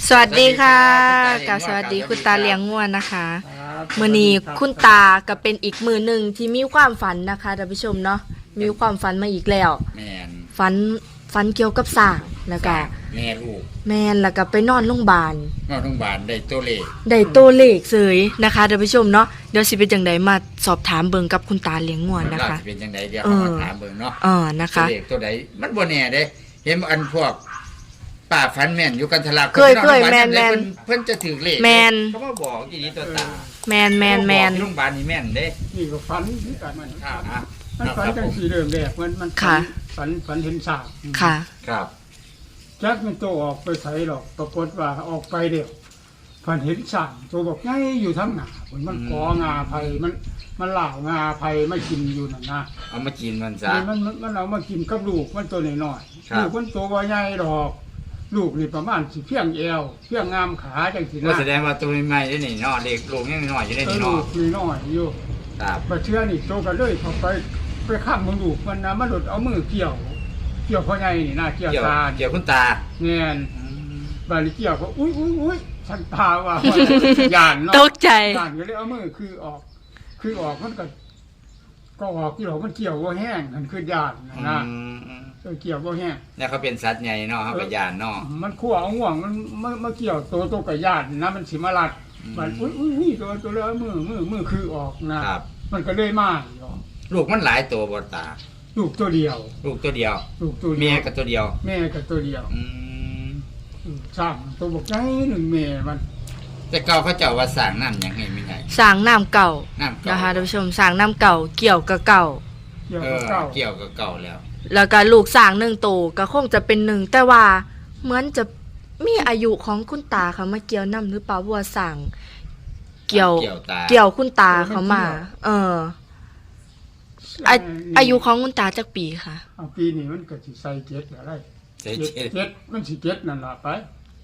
สวัสดีค่ะกับสวัสดีคุณตาเลี้ยงงัวนะคะมื้อนี้คุณตาก็เป็นอีกมือหนึ่งที่มีความฝันนะคะท่านผู้ชมเนาะมีความฝันมาอีกแล้วฝันเกี่ยวกับสร้างแล้วก็แม่ลูกแม่นแล้วก็ไปนอนโรงพยาบาลได้ตัวเลขเสยนะคะท่านผู้ชมเนาะเดี๋ยวสิเป็นจังไดมาสอบถามเบิ่งกับคุณตาเลี้ยงงัวนะคะสิเป็นจังไดเดี๋ยวมาถามเบิ่งเนาะนะคะเลขตัวใดมันบ่แน่เด้เห็นอันพวกป้าฝันแม่นอยู่กันทะลักเคยแม่นเพิ่นจะถือเลขเขามาบอกอีนี้ตัวตาแม่นโรงพยาบาลนี่แม่นเด้นี่ก็ฝันคือกันมันครับมันฝันจังสีเริ่มแรกมันฝันเห็นสากค่ะครับจักมันโตออกไปใส่หรอกปรากฏว่าออกไปเดียวฝันเห็นสากตัวบอกไงอยู่ทั้งหน้ามันกองาไผ่มันเหล่างาไผ่ไม่กินอยู่นั่นนะเอามากินมันซะมันเอามากินกับลูกมันตัวน้อยๆลูกมันตัวใหญ่ดอกลูกนี่ประมาณสิเพียงเอวเพียงงามขาจังสินะแสดงว่าตัวใหม่ได้นี่เนาะเด็กลูกยังน้อยอยู่ได้นี่เนาะลูกนี่น้อยอยู่ครับมาเชื่อนี่โตกันเลยพอไปข้ามมึงลูกมันนะมันหลุดเอามือเกี่ยวพ่อใหญ่นี่นะเกี่ยวตาเกี่ยวคุณตาเงี้ยบาลีเกี่ยวก็อุ้ยฉันตาว่าหยานเนาะตกใจหยานก็เลยเอามือคือออกมันก็ออกที่เรามันเกี่ยวว่าแห้งมันคือหยานนะเกี่ยวว่าแห้งเนี่ยเขาเป็นสัตว์ใหญ่เนาะเขาเป็นหยานเนาะมันขั้วเอาห่วงมันมาเกี่ยวตัวกับหยานนะมันสิมาลัดมันอุ้ยตัวเลยมือคือออกนะมันก็เลยมาลูกมันหลายตัวบนตาลูกตัวเดียวเมียกับตัวเดียวสร้างตัวบอกไงหนึ่งเมียมันแต่เก่าเขาเจ้าว่าสร้างน้ำยังไงไม่ไงสร้างน้ำเก่านะคะท่านผู้ชมสร้างน้ำเก่าเกี่ยวกับเก่าแล้วก็ลูกสร้างหนึ่งตัวก็คงจะเป็นหนึ่งแต่ว่าเหมือนจะมีอายุของคุณตาเขามาเกี่ยวน้ำหรือเปล่าว่าสร้างเกี่ยวคุณตาเขามาอายุของคุณตาจักปีค่ะปีนี้มันก็สิใส่เจ็ดอะไรเจ็ดมันสิเจ็ดนั่นล่ะไป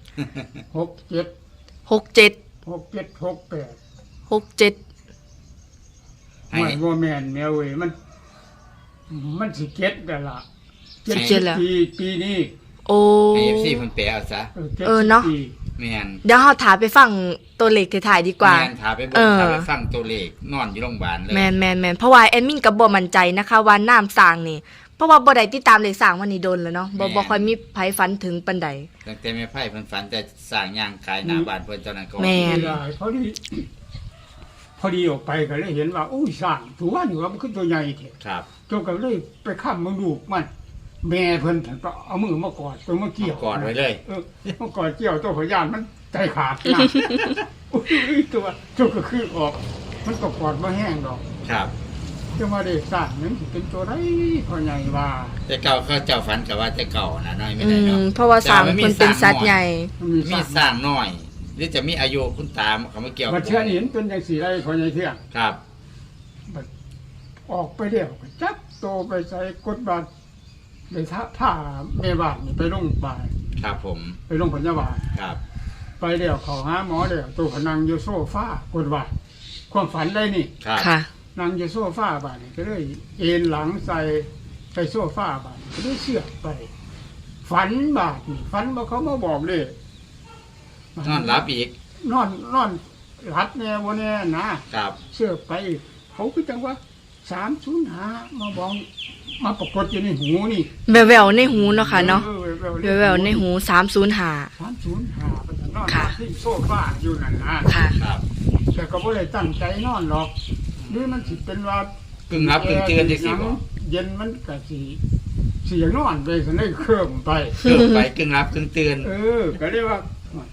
ไม่ว่าแม่นแมวเว้ยมันสิเจ็ดนั่นล่ะปีนี้โอ้ FC เพิ่นแปลเอาซะเนาะแม่นเดี๋ยวเฮาถามไปฟังตัวเลขถ่ายดีกว่าแม่นถามไปฟังตัวเลขนอนอยู่โรงพยาบาลเลยแม่นเพราะว่าแอดมินก็บ่มั่นใจนะคะว่าน้ำสร้างนี่เพราะว่าบ่ได้ติดตามเลขสร้างวันนี้โดนแล้วเนาะบ่ค่อยมีไผฝันถึงปานใดตั้งแต่แม่ไผเพิ่นฝันแต่สร้างย่างขายหน้าบ้านเพิ่นตอนนั้นก็แม่นพอดีออกไปก็เลยเห็นว่าอุ้ยสร้างถือว่าอยู่ว่ามันขึ้นตัวใหญ่แท้ครับตัวก็เลยไปค้ำมึงลูกมันแม่เพิ่นก็เอามือมากอดตัวมาเกี่ยวกอดไว้เลยมากอดเกี่ยวตัวพยานมันใจขาดนะตัวก็คือออกมันก็กอดมาแห้งดอกครับจะมาได้สร้างนั้นเป็นตัวไรพอใหญ่ว่าแต่เก่าเขาเจ้าฝันกับว่าแต่เก่านะน้อยไม่ได้เนาะเพราะว่าสร้างมันเป็นสัตว์ใหญ่มีสร้างน้อยหรือจะมีอายุคุณตาเขาไม่เกี่ยวมาเชื่อเห็นเป็นอย่างสีไรพอใหญ่เที่ยงครับออกไปเดี่ยวจับโตไปใส่กดบัตรไปท่าแม่บ้านไปลงไปครับผมไปลงพยาบาลครับไปเดี่ยวเขาหาหมอเดี่ยวตัวพนังโยโซฟ้ากดบัตรความฝันได้นี่ค่ะนางโยโซฟ้าบ้านก็เลยเอ็นหลังใส่โซฟ้าบ้านก็เลยเสือกไปฝันบาดนี่ฝันว่าเขามาบอกเลยนอนรับอีกนอนรับเนี่ยวันนี้นะครับเสือกไปเขาคิดจังว่า305มาบอกมาปรากฏอยู่ในหูนี่แววในหูเนาะค่ะเนาะแววในหู305 ค่ะที่โซฟาอยู่นั่นนะค่ะแต่ก็ไม่ได้ตั้งใจนอนหรอกนี่มันสิเป็นว่ากึ่งรับกึ่งเตือนสิบ่เย็นมันก็สิเสียงนอนไปสันได้เคลื่อนไปกึ่งรับกึ่งเตือนก็เรียกว่า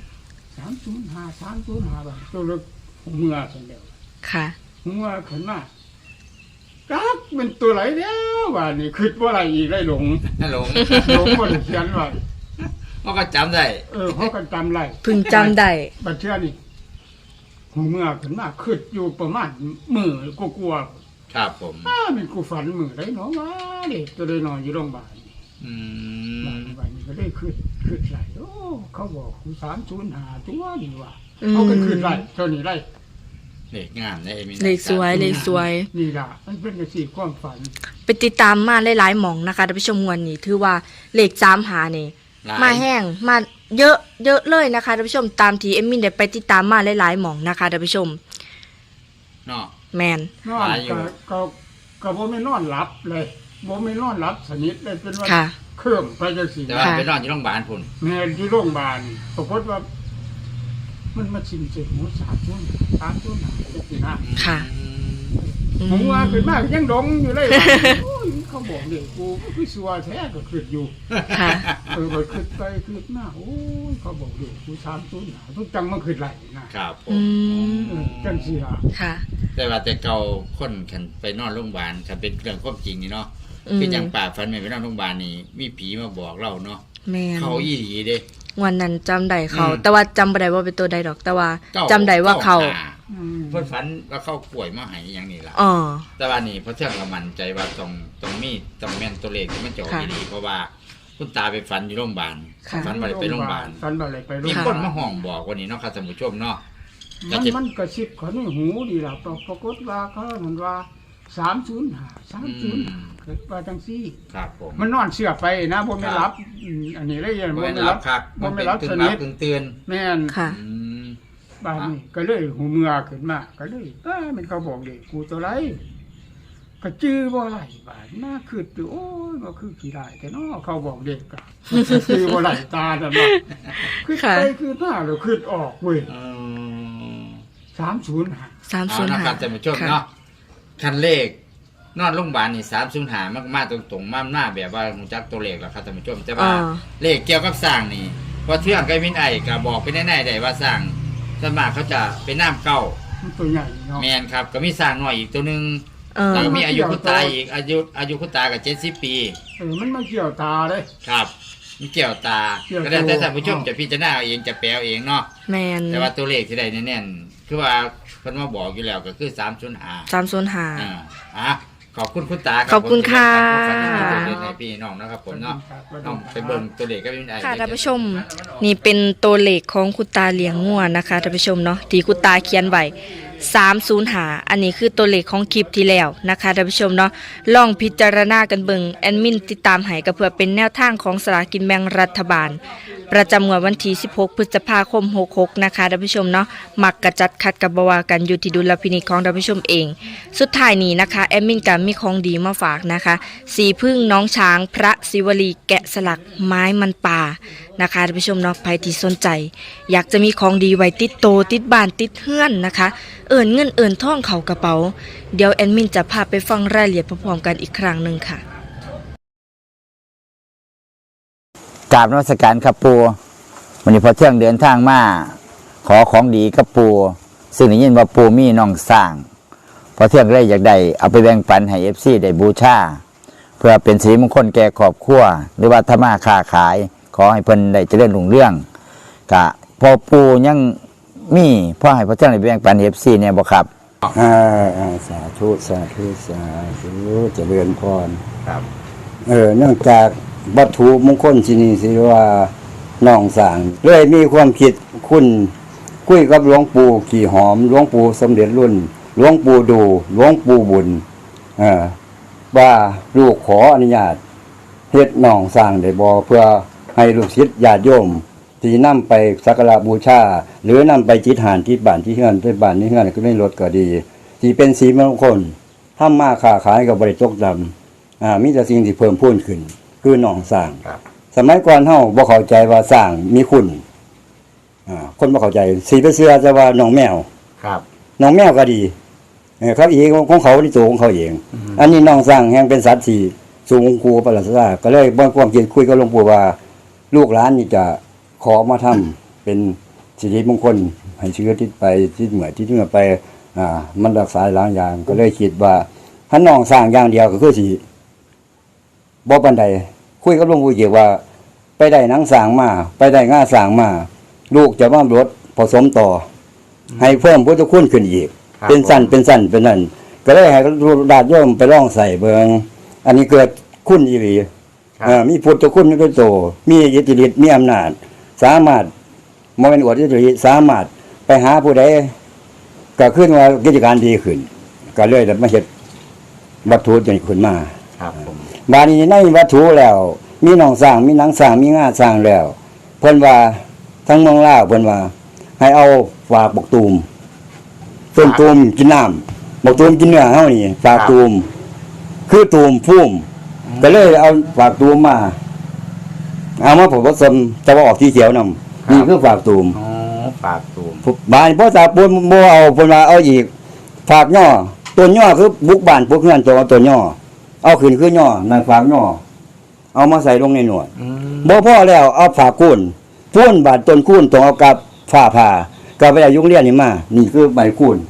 305บาทตัวเล็กเมื่อสันเดียวค่ะเมื่อขึ้นมาจักเป็นตัวไหนแล้วว่านี่คิดว่าอะไรอีกได้หลงคนเขียนไว้เขาก็จำได้เขาก็จำได้พึงจำได้บัดเชื่อนี่เมื่อขึ้นมาคิดอยู่ประมาณมือกลัวครับผมมันกูฝันมือได้เนาะว่าเด็กจะได้นอนอยู่โรงพยาบาลวันนี้ก็ได้คิดไรโอ้เขาบอกกู305ตัวนี่ว่าเขาก็คิดไรเท่านี้ไรเลขงามได้เลขสวยนี่ล่ะมันเป็นสีความฝันไปติดตามมาหลายๆหม่องนะคะท่านผู้ชมวันนี้ถือว่าเลข3หานี่มาแห้งเยอะเยอะเลยนะคะท่านผู้ชมตามที่เอมมินได้ไปติดตามมาหลายๆหม่องนะคะท่านผู้ชมเนาะแมนนอนก็บ่ไม่นอนหลับเลยบ่ไม่นอนหลับสนิทเลยเป็นว่าค่ะเครื่องไปจังซี่แต่ว่าไปนอนอยู่โรงพยาบาลพุ่นแม่ที่โรงพยาบาลปรากฏว่า มันมาชิมเจ็บหมู3 ชั่วจังซี่นะค่ะหมูว่าขึ้นมาก็ยังดงอยู่เลยว่าโอ้ยเขาบอกเด็กกูก็คือสัวแท้ก็ขึ้นอยู่ค่ะก็ขึ้นไปขึ้นมาโอ้ยเขาบอกเด็กกู3 ชั่วทุกจังมันขึ้นไหลนะครับผอืมมจังซี่ล่ะค่ะแต่ว่าแต่เก่าคนคันไปนอนโรงพยาบาลคันเป็นเรื่องความจริงนี่เนาะอืมคือจังป่าฝันแม่ไปนอนโรงพยาบาลนี่มีผีมาบอกเราเนาะแมนเขาอีหลีเด้วันนั้นจำได้เขาอืมแต่ว่าจำบ่ได้ว่าเป็นตัวใดดอก แต่ว่าเก้าจำได้ว่าเขาหอืมเพิ่นฝันว่าเขาป่วยมาให้อย่างนี้ล่ะอ๋อแต่ว่านี่เพราะเชื่อเรามั่นใจว่าต้องมีต้องแม่นตัวเลขที่มันจะออกค่ะดีเพราะว่าคุณตาไปฝันอยู่โรงพยาบาลค่ะฝันว่าได้ไปโรงพยาบาลฝันว่าได้ไปโรงมีพยาคบาน ลมาห้องบอกวันนี้เนาะครับท่านผู้ชมเนาะมันกระซิบเขาในหูดีล่ะปรากฏว่าเขานั่นว่า305เกิดว่าจังซี่ครับผมมันนอนเสือไปนะบ่ไม่รับอันนี้เลยยังบ่บ่ไม่ไม่รัรับบ ครับบ่ไม่รับกึ่สงหลันิบทกึ่งตื่นแม่นค่ะอืมบ้านนี้ก็เลยหูเมือขึ้นมาก็เลยมันเขาบอกเด็กกูตัวไรก็จื้อบ่ไหลบ้านน่าคืออยู่โอ้ยก็คือขี้ได้แต่เนาะเขาบอกเด็กก็จื้อบ่ไหลตาแต่ว่าคือค่ะไปคือหน้าหรือคือออกเว้ยเออ 305 สามเอาศูนย์นะห้าครับท่านผู้ชมเนาะคันเลขนอนโรงพยาบาลนี่305มากๆตรงๆมาแบบว่ารู้จักตัวเลขแล้วครับท่านผู้ชมแต่ว่า เลขเกี่ยวกับสร้างนี่พอเทื่องกับมินไอก็บอกไปแน่ๆได้ว่าสร้างส่วนมากเขาจะเป็นน้ำเก่ามันตัวใหญ่เนาะแมนครับก็มีสร้างน้อยอีกตัวหนึงเออแล้วก็มีอายุคุณตาอีกอายุคุณตากับ70 ปีมันมาเกี่ยวตาเลยครับ มีเกี่ยวตาเกี่ยวก็ได้แต่ตัวท่านผู้ชมจะพิจารณาเอาเองจะแปลเอาเองเนาะแมนแต่ว่าตัวเลขที่ได้แน่นๆคือว่าเพิ่นมาบอกอยู่แล้วก็คือ305 305 อ่ะขอบคุณคุณตาขอบคุณค่ะขอบคุณให้พี่น้องนะครับผมเนาะน้องไปเบิ่งตัวเลขก็มินไอค่ะท่านผู้ชมนี่เป็นตัวเลขของคุณตาเลี้ยงงัวนะคะท่านผู้ชมเนาะที่คุณตาเขียนไว้305อันนี้คือตัวเลขของคลิปที่แล้วนะคะท่านผู้ชมเนาะลองพิจารณากันเบิ่งแอดมินติดตามให้ก็เพื่อเป็นแนวทางของสลากกินแบ่งรัฐบาล ประจำงวดวันที่16 พฤษภาคม 66นะคะท่านผู้ชมเนาะมักกระจัดคัดกับบวากันอยู่ที่ดุลพินิจของท่านผู้ชมเอง สุดท้ายนี้นะคะแอดมินก็มีของดีมาฝากนะคะสีพึ่งน้องช้างพระศิวลีแกะสลักไม้มันป่านะคะท่านผู้ชมเนาะใครที่สนใจ อยากจะมีของดีไว้ติดโตติดบ้านติดเฮือนนะคะเอิ้นเงินเอิ้นทองเข้ากระเป๋าเดี๋ยวแอดมินจะพาไปฟังรายละเอียดพร้อมๆกันอีกครั้งหนึ่งค่ะกราบนมัสการครับปูวันนี้พอเที่ยงเดินทางมาขอของดีกับปูซึ่งได้ยินว่าปูมีน้องสร้าง พอเที่ยงเลยอยากได้เอาไปแบ่งปันให้FCได้บูชาเพื่อเป็นสิริมงคลแก่ครอบครัวหรือว่าทำมาค้าขายขอให้เพิ่นได้เจริญรุ่งเรืองกะพอปูยังมีพ่อให้พอเที่ยงได้แบ่งปัน FC เนี่ยบ่ครับสาธุสาธุสาธุเจริญพรครับเนื่องจากวัตถุมงคลที่นี่สิว่าน้องสร้างเลยมีความคิดคุณคุยกับหลวงปู่ขี่หอมหลวงปู่สมเด็จรุ่นหลวงปู่ดูหลวงปู่บุญว่าลูกขออนุญาตเฮ็ดน้องสร้างได้บ่เพื่อให้ลูกศิษย์ญาติโยมที่นำไปสักการะบูชาหรือนำไปจิตหานที่บ้านที่เฮือนไปบ้านที่เฮือนก็ได้รถก็ดีที่เป็นสีมงคลทำมาค้าขายก็บ่ได้ตกดำมีแต่สิ่งที่เพิ่มพูนขึ้นคือน้องสร้างครับสมัยก่อนเฮาบ่เข้าใจว่าสร้างมีคุณคนบ่เข้าใจสีไปเชื่อจะว่าน้องแมวครับน้องแมวก็ดีครับอีกของเขาที่ตัวของเขาเอง อันนี้น้องสร้างแห่งเป็นสัตว์ที่สูงกูประหลาดซาก็เลยบ่ความคิดคุยกับหลวงปู่ว่าลูกหลานนี่จะขอมาทำเป็นสิริมงคลให้ชีวิตติดไปที่เหมือนที่เหนือไปมันรักษาหลายอย่างก็เลยคิดว่าถ้าน้องสร้างอย่างเดียวก็คือสิบ่ปานใดคุยกับหลวงปู่เกี่ยวว่า ไปได้หนังสร้างมาไปได้ง่าสร้างมาลูกจะว่ารถผสมต่อให้เพิ่มพุทธคุณขึ้นอีกครับเป็นสั้นเป็นนั่นก็เลยให้ญาติโยมไปลองใส่เบิงอันนี้เกิดคุณอีหลีครับมีพุทธคุณนี่เป็นโตมีอิทธิฤทธิ์มีอำนาจสามารถบ่แม่นอวดอิทธิฤทธิ์สามารถไปหาผู้ใดก็ขึ้นว่ากิจการดีขึ้น ก็เลยได้มาเฮ็ดวัตถุนี้ขึ้นมาครับผมบาดนี้ในวัตถุแล้ว มีหนองสร้างมีหนังสร้างมีงาสร้างแล้วเพิ่นว่าทั้งเมืองลาวเพิ่นว่า ให้เอาฝากบักตูมต้นตูมกินน้ำบักตูมกินเนื้อเฮานี่ฝากตูมคือตูมพุ่มก็เลยเอาฝากตูมมาเอามาผสมจะว่าออกสีเขียวนำนี่คือฝากตูมอ๋อฝากตูมบ้านพ่อตาปูนบ่เอาเพิ่นว่าเอาอีกฝากย่อต้นย่อคือบุกบ้านพวกเฮือนตัวต้นย่อเอาขึ้นคือย่อนั่นฝากย่อเอามาใส่ลงในหนวดบ่พอแล้วเอาฝากคูนพูนบาดต้นคูนต้องเอากับฝ้าผ่ากับไปเอายุงเลี้ยนนี่มานี่คือใบคูน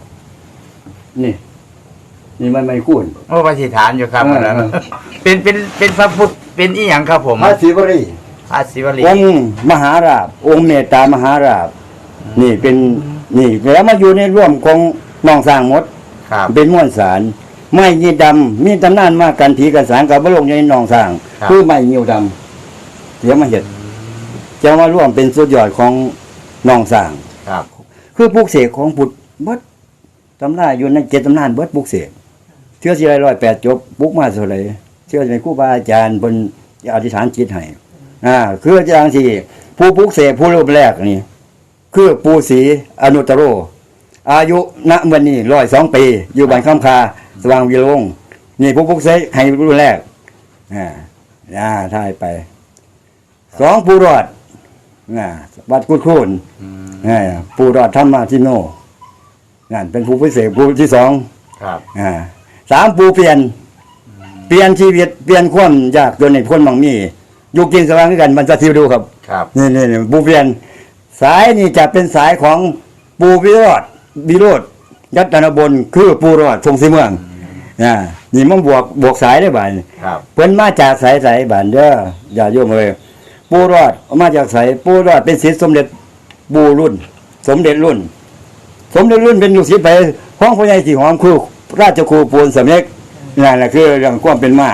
นี่มันใบคูนโอ้ปฏิฐานอยู่ครับเอออันนั้นเป็นพระพุทธเป็นอีหยังครับผมพระศิวรีพระศิวลีองค์มหาราชองค์เมตตามหาราชนี่เป็นนี่แล้วมาอยู่ในร่วมของน้องสร้างหมดครับเป็นม้วนสารไม้ยีดำมีตำนานมากันผีกันสารกับบรมในหนองสร้างครับคือไม้เหี่ยวดำเดี๋ยวมาเห็ดจะมาร่วมเป็นสุดยอดของหนองสร้างครับคือปลูกเสกของพุทธเบิดตำนานอยู่ใน7ตำนานเบิดปลูกเสกเชื่อสิได้108จบปลูกมาเท่าไหร่เชื่อในครูบาอาจารย์เพิ่นอธิษฐานจิตให้คือจังซี่ผู้ปลูกเสกผู้รูปแรกนี่คือปู่ศรีอนุตตโร อายุณวันนี้102 ปี อยู่บ้านคำคาสว่างวิโรงนี่ผู้พุกเสกให้รุ่นแรกถ่ายไป2ผู้รอดวัดกุดคูนผู้รอดธรรมาทิโนนั่นเป็นผู้พิเศษผู้ที่2 ครับ 3ผู้เปลี่ยนชีวิตเปลี่ยนความยากจนในคนบางมีอยู่กินสว่างด้วยกันมันจะทิวดูครับครับนี่ผู้เปลี่ยนสายนี่จะเป็นสายของปูวิโรธยัตนบลคือปูรอดทรงสีเมืองนี่มันบวกสายได้บ่ายครับเพิ่นมาจากสายบ้านเด้ออย่าโยมเลยปูรอดมาจากสายปูรอดเป็นศิษย์สมเด็จปูรุ่น สมเด็จรุ่นเป็นลูกศิษย์ไปของพ่อใหญ่ที่หอมคือราชครูปูนสำเร็จนั่นแหละคือเรื่องความเป็นมา